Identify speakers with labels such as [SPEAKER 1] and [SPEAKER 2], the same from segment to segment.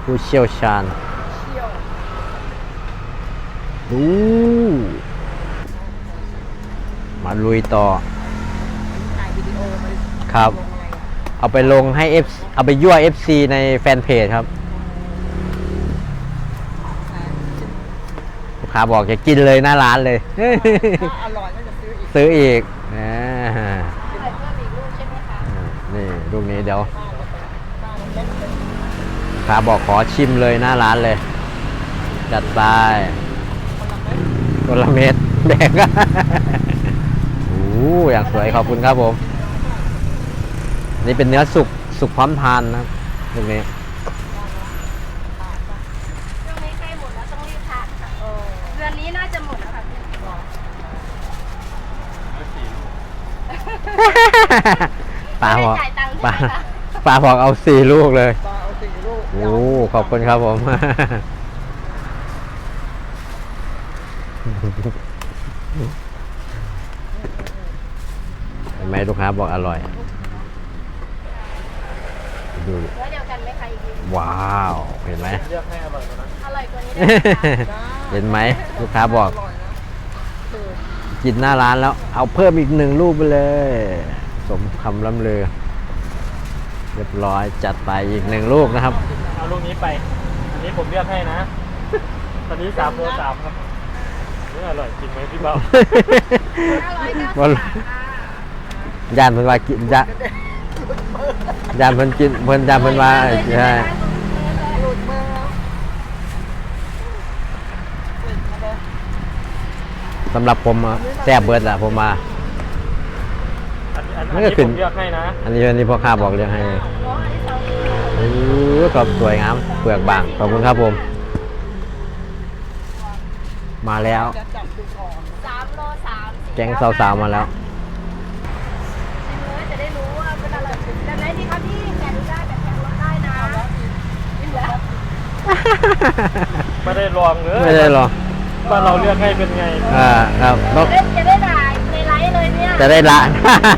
[SPEAKER 1] ผู้เชี่ยวชาญดูมาลุยต่อครับเอาไปลงให้ เอาไปยั่ว FC ในแฟนเพจครับลูกค้าบอกจะกินเลยหน้าร้านเลย
[SPEAKER 2] อร่อยก็จะซื้ออีก
[SPEAKER 1] นี่ลูกนี้เดี๋ยวลูกค้าบอกขอชิมเลยหน้าร้านเลยจัดไปคนละเม็ดแบ่งกันโอ้อย่างสวยขอบคุณครับผมนี่เป็นเนื้อสุกพร้อมทานนะครับตรงนี้
[SPEAKER 3] ช่วงนี้ใกล้หมดแล้วต้องรีบทานค่ะเดือนนี้น่าจะหมดแล้วค่ะ
[SPEAKER 1] ป้าบอกป้าบอกเอา4 ลูกเลยโอ้ขอบคุณครับผมเห็นไหมลูกค้าบอกอร่อยดู
[SPEAKER 3] เนื้อเดียวกันไหมคะอีกที
[SPEAKER 1] ว้าวเห็นไหม
[SPEAKER 2] เลือกให้อร่อยกว่านั้น
[SPEAKER 3] อร่อยกว่านี้ได้
[SPEAKER 1] เห็นไหมลูกค้าบอกกินหน้าร้านแล้วเอาเพิ่มอีก1 ลูกไปเลยสมคำล่ำลือเรียบร้อยจัดไปอีก1 ลูกนะครับ
[SPEAKER 2] เอาลูกนี้ไปอันนี้ผมเลือกให้นะตอนนี้3 โล 3ครับนี่อร่อยจริงไหมพี่เบา
[SPEAKER 1] ย่านเพิ่นว่ากินย่านเพิ่นกินเพิ่นย่านเพิ่นว่าใช่สำหรับผมแซ่บเบิร์ดแหละผมมา
[SPEAKER 2] อันนี้ผมเลือกให้นะ
[SPEAKER 1] อันนี้พ่อค้าบอกเลือกให้โอ้ขอบสวยงามเปลือกบางขอบคุณครับผมมาแล้ว
[SPEAKER 3] 3 โล 3
[SPEAKER 1] แกงสาวๆมาแล้ว
[SPEAKER 3] ชิมเลยจะได้รู้ว่าเป็นอะไรแบบไหนดีครับพี่แกะดูได้แบบแกะรสได้นะนี่แหละ
[SPEAKER 2] ไม่ได้ลองเลย
[SPEAKER 1] ไม่ได้ลอง
[SPEAKER 2] ว่าเราเลือกให้เป็นไง
[SPEAKER 1] ครับ
[SPEAKER 3] จะได้ด่าในไลฟ์เลยเนี่ย
[SPEAKER 1] จะได้ละ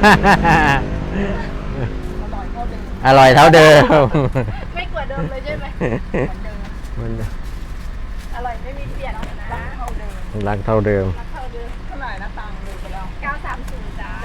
[SPEAKER 1] อร่อยเท่าเดิม
[SPEAKER 3] ไม่กว่าเดิมเลยใช่ไหมอร่อยไม่มีเปลี่ยนนะ
[SPEAKER 1] รักเท่าเดิม
[SPEAKER 2] เท่าไหร่นะตังค์ดูไปแล้ว
[SPEAKER 3] 930จ้า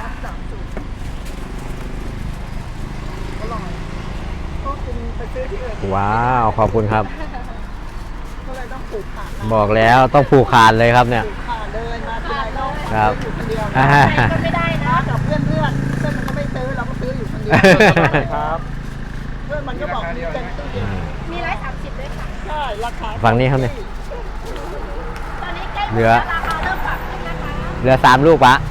[SPEAKER 2] อร่อยก็คุณไปซื้อที่อื่น
[SPEAKER 1] ว้าวขอบคุณครับ
[SPEAKER 2] ก็เลยต้องผูกขาด
[SPEAKER 1] บอกแล้วต้องผูกขาดเลยครับเนี่ย
[SPEAKER 2] ขาดเลยมาที่ไรก็
[SPEAKER 1] ครับ
[SPEAKER 2] อยู่คนเดียว
[SPEAKER 3] ก็ไม่ได้นะ
[SPEAKER 2] กับเพื่อนมันก็ไม่ซื้อเราก็ซื้ออยู่คนเดียวครับเพื่อนมันก็บอกมีเป็นตู้เย็น
[SPEAKER 3] มี130ด้วยค่ะ
[SPEAKER 2] ใช่ราคา
[SPEAKER 1] ฝั่งนี้ครับเนี่ย
[SPEAKER 3] ตอนนี้ใกล้เหลือราคาเริ่มปรับขึ้นนะคะ
[SPEAKER 1] เหลือ3 ลูกปะ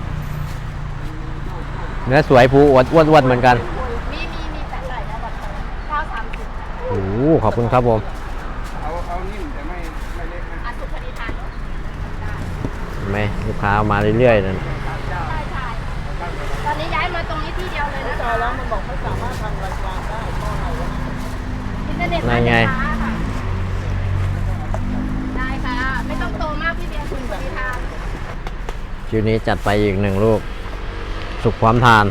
[SPEAKER 1] เนื้อสวยผูอ้วนเหมือนกัน
[SPEAKER 3] มีแต่ใส่นะแบบ930
[SPEAKER 1] โอ้ขอบคุณครับผม
[SPEAKER 2] เอานิ่มแต่ไม่เล็กนะ
[SPEAKER 3] สุกพอดีทานเนาะ
[SPEAKER 1] ไหมลูกค้ามาเรื่อยๆนั่น
[SPEAKER 3] ใช่ตอนนี้ย้ายมาตรงนี้ที่เดียวเลยนะ
[SPEAKER 2] แล้วมันบอกไม่สามารถทำรายการได้เพราะอะไรวะ
[SPEAKER 3] อินเทอร์เน็ตมาไงได้ค่ะไม่ต้องโตมากพี่เบียร์คุณพอดีทาน
[SPEAKER 1] คิวนี้จัดไปอีก1 ลูกสุกความทาน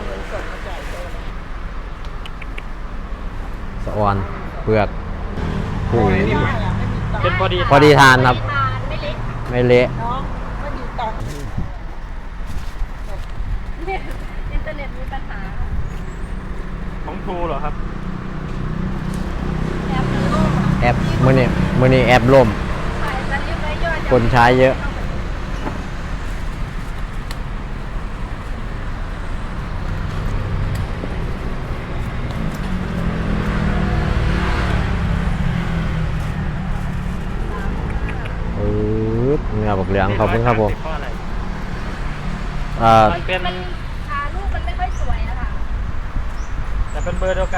[SPEAKER 1] สะออนเปลือกผู้
[SPEAKER 2] เป็นพ
[SPEAKER 1] อดีทานครับไม่เละ
[SPEAKER 2] ไม่มีตังค์
[SPEAKER 3] อินเทอร์เน็ตมีปัญหา
[SPEAKER 2] ของทูเหรอครับ
[SPEAKER 1] แอปมือนี่แอปล่มคนใช้เยอะเนื้อบักเหลืองขอบคุณครับผม
[SPEAKER 2] มันเป็น
[SPEAKER 3] รูปมันไม่ค่อยสวยนะคะ
[SPEAKER 2] แต่เป็นเบอร์เดียวกัน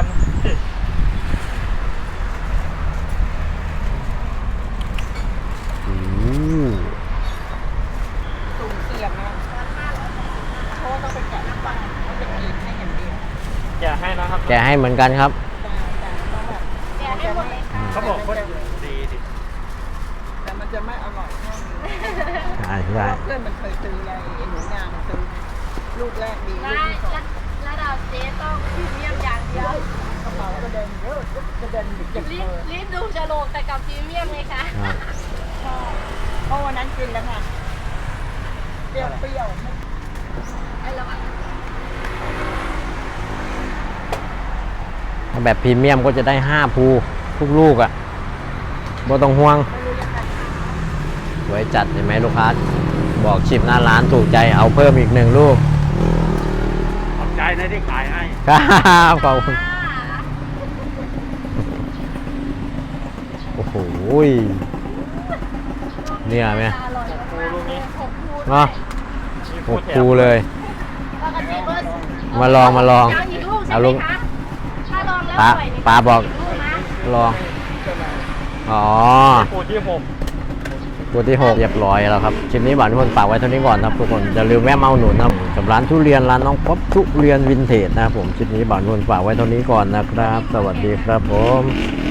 [SPEAKER 2] ตุ่มเสียบนะเพราะว่าต้องไปแกะน้ำปลาต้องไปกินให้เห็นดีแกะให้นะครับ
[SPEAKER 1] แกะให้เหมือนกันครับ
[SPEAKER 3] แกะให้หมดเลยค่ะ
[SPEAKER 2] เขาบอกว่าดีดิแต่มันจะไม่อร่อยแค่นี้
[SPEAKER 1] ใช่
[SPEAKER 2] เพื่อนมันเคยซื้ออะไรหนูนามันซื้อลูกแรกดีลูกที่2
[SPEAKER 3] แล้วเราเจ๊ต้องพรีเมียมอย่างเดียว
[SPEAKER 2] กระเป๋าก็เดินเยอะ
[SPEAKER 3] รีบดูจะโลกแต่กับพรีเมียมไงคะ
[SPEAKER 1] ครับ
[SPEAKER 4] เพราะวันนั้นกินแล้วค่ะเปรี้ยว
[SPEAKER 3] ไอ้เราอะ
[SPEAKER 1] ถ้าแบบพรีเมียมก็จะได้5ภูทุกลูกอ่ะบ่ต้องห่วงสวยจัดเห็นไหมลูกค้า บอกชิมหน้าร้านถูกใจเอาเพิ่มอีก1ลูก
[SPEAKER 2] ขอบใจนะที่ขายให้
[SPEAKER 1] ครับขอบคุณโอ้โหเนี่ยไหม
[SPEAKER 3] อร่อยมากเลย6ภู
[SPEAKER 1] เนาะ
[SPEAKER 2] มี
[SPEAKER 1] 6ภูเลย
[SPEAKER 3] ปกติเบอร์
[SPEAKER 1] มาลอง
[SPEAKER 3] เอาอีกลูกใช่
[SPEAKER 1] เอา
[SPEAKER 3] ไหม
[SPEAKER 1] ลูก
[SPEAKER 3] คะถ้าลองแล้ว
[SPEAKER 1] ปลา
[SPEAKER 3] อร่อยนี่
[SPEAKER 1] ปลาบอก
[SPEAKER 3] ลูกนะ
[SPEAKER 1] ลองอ๋อ
[SPEAKER 2] ภูที่6
[SPEAKER 1] ตัวที่ 6 เรียบร้อยแล้วครับคลิปนี้บ่าวทุกคนฝากไว้เท่านี้ก่อนนะครับทุกคนอย่าลืมแวะมาอุดหนุนนะครับกับร้านทุเรียนร้านน้องป๊อปทุเรียนวินเทจนะครับผมคลิปนี้บ่าวทุกคนฝากไว้เท่านี้ก่อนนะครับ สวัสดีครับผม